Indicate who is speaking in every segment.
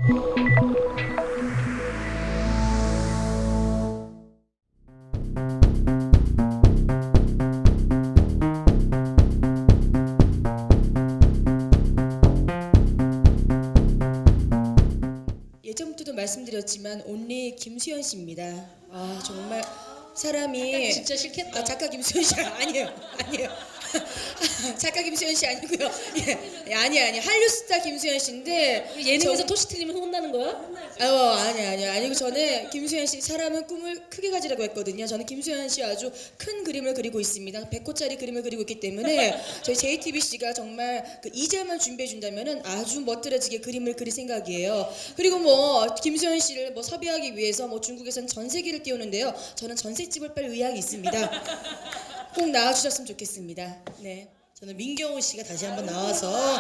Speaker 1: 예전부터도 말씀드렸지만 온리 김수현 씨입니다. 아 정말 사람이
Speaker 2: 진짜 싫겠다.
Speaker 1: 아 작가 김수현 씨 아니에요. 작가 김수현 씨 아니고요. 예, 아니 한류스타 김수현 씨인데
Speaker 2: 우리 예능에서 토시 틀리면 혼나는 거야?
Speaker 1: 아니고 저는 김수현 씨 사람은 꿈을 크게 가지라고 했거든요. 저는 김수현 씨 아주 큰 그림을 그리고 있습니다. 100호짜리 그림을 그리고 있기 때문에 저희 JTBC가 정말 그 이자만 준비해 준다면은 아주 멋들어지게 그림을 그릴 생각이에요. 그리고 뭐 김수현 씨를 뭐 섭외하기 위해서 뭐 중국에서는 전세기를 띄우는데요. 저는 전셋집을 빨 의향이 있습니다. 꼭 나와주셨으면 좋겠습니다. 네.
Speaker 3: 저는 민경호 씨가 다시 한번 나와서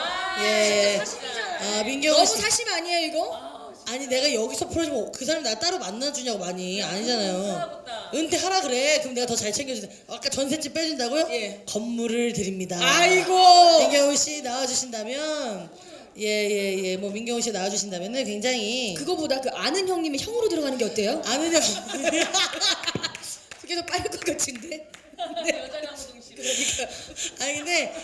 Speaker 3: 민경호
Speaker 1: 너무
Speaker 3: 씨
Speaker 1: 사심 아니에요 이거?
Speaker 3: 아니 내가 여기서 풀어주면 그 사람 나 따로 만나주냐고 많이 아니잖아요. 은퇴하라 그래. 그럼 내가 더 잘 챙겨주자. 아까 전셋집 빼준다고요?
Speaker 1: 예.
Speaker 3: 건물을 드립니다.
Speaker 1: 아이고.
Speaker 3: 민경호 씨 나와주신다면 뭐 민경호 씨 나와주신다면은 굉장히
Speaker 1: 그거보다 그 아는 형님이 형으로 들어가는 게 어때요?
Speaker 3: 아는 형
Speaker 1: 그게 더 빠를 것 같은데.
Speaker 2: 여자 강호동 씨.
Speaker 3: 아니 근데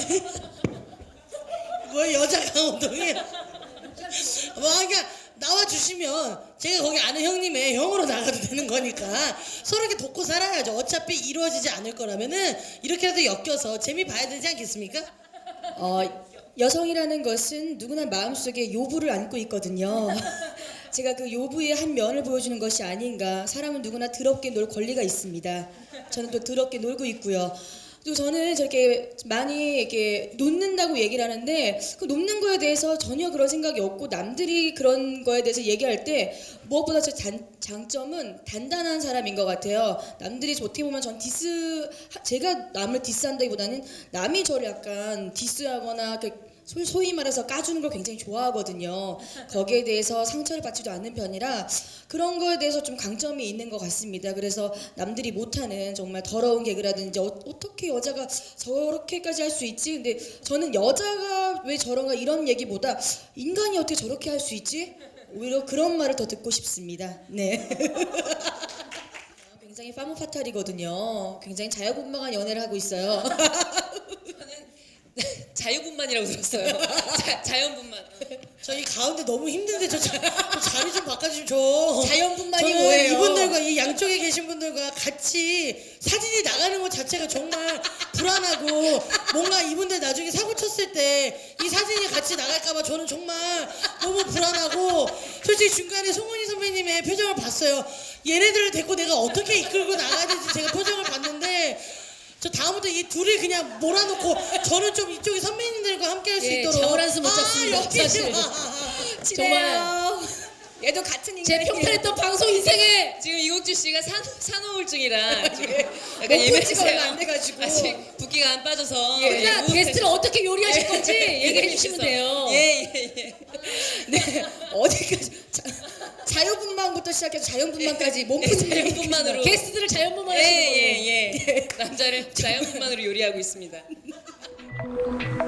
Speaker 3: 뭐 여자 강호동이 뭐 그러니까 나와주시면 제가 거기 아는 형님의 형으로 나가도 되는 거니까 서로 이렇게 돕고 살아야죠. 어차피 이루어지지 않을 거라면은 이렇게라도 엮여서 재미 봐야 되지 않겠습니까?
Speaker 1: 여성이라는 것은 누구나 마음속에 요부를 안고 있거든요. 제가 그 요부의 한 면을 보여주는 것이 아닌가. 사람은 누구나 더럽게 놀 권리가 있습니다. 저는 또 더럽게 놀고 있고요. 또 저는 저렇게 많이 이렇게 놓는다고 얘기를 하는데 그 놓는 거에 대해서 전혀 그런 생각이 없고 남들이 그런 거에 대해서 얘기할 때 무엇보다 제 장점은 단단한 사람인 것 같아요. 남들이 어떻게 보면 전 제가 남을 디스한다기보다는 남이 저를 약간 디스하거나 소위 말해서 까주는 걸 굉장히 좋아하거든요. 거기에 대해서 상처를 받지도 않는 편이라 그런 거에 대해서 좀 강점이 있는 것 같습니다. 그래서 남들이 못하는 정말 더러운 개그라든지 어떻게 여자가 저렇게까지 할 수 있지? 근데 저는 여자가 왜 저런가 이런 얘기보다 인간이 어떻게 저렇게 할 수 있지? 오히려 그런 말을 더 듣고 싶습니다. 네. 굉장히 파무파탈이거든요. 굉장히 자유분방한 연애를 하고 있어요.
Speaker 2: 자유분만이라고 들었어요. 자연분만.
Speaker 3: 저희 가운데 너무 힘든데 저 자리 좀 바꿔주시면 저
Speaker 1: 자연분만이
Speaker 3: 저는
Speaker 1: 뭐예요?
Speaker 3: 이분들과 이 양쪽에 계신 분들과 같이 사진이 나가는 것 자체가 정말 불안하고 뭔가 이분들 나중에 사고 쳤을 때 이 사진이 같이 나갈까봐 저는 정말 너무 불안하고 솔직히 중간에 송은이 선배님의 표정을 봤어요. 얘네들을 데리고 내가 어떻게 이끌고 나가야 될지 제가 표정을 봤는데 저 다음부터 이 둘이 그냥 몰아놓고 저는 좀 이쪽에 선배님들과 함께 할 수 있도록
Speaker 2: 잠을 한숨 못 잤습니다.
Speaker 3: 여기
Speaker 2: 사실.
Speaker 1: 정말 얘도 같은 인간이에요.
Speaker 2: 제 평탄했던 방송 인생에 지금 이국주 씨가 산후우울증이라 지금 약간
Speaker 1: 못
Speaker 2: 예민해서요.
Speaker 1: 얼마 안 돼가지고.
Speaker 2: 아직 붓기가 안 빠져서
Speaker 1: 예.
Speaker 2: 예,
Speaker 1: 게스트를 어떻게 요리하실 건지 얘기해 주시면 돼요.
Speaker 2: 예.
Speaker 1: 네, 어디까지 자유분만부터 시작해서 자연분만까지 몸푸는
Speaker 2: 자연분만으로.
Speaker 1: 게스트들을 자연분만하시는 걸로.
Speaker 2: 예. 남자를 자연분만으로 요리하고 있습니다.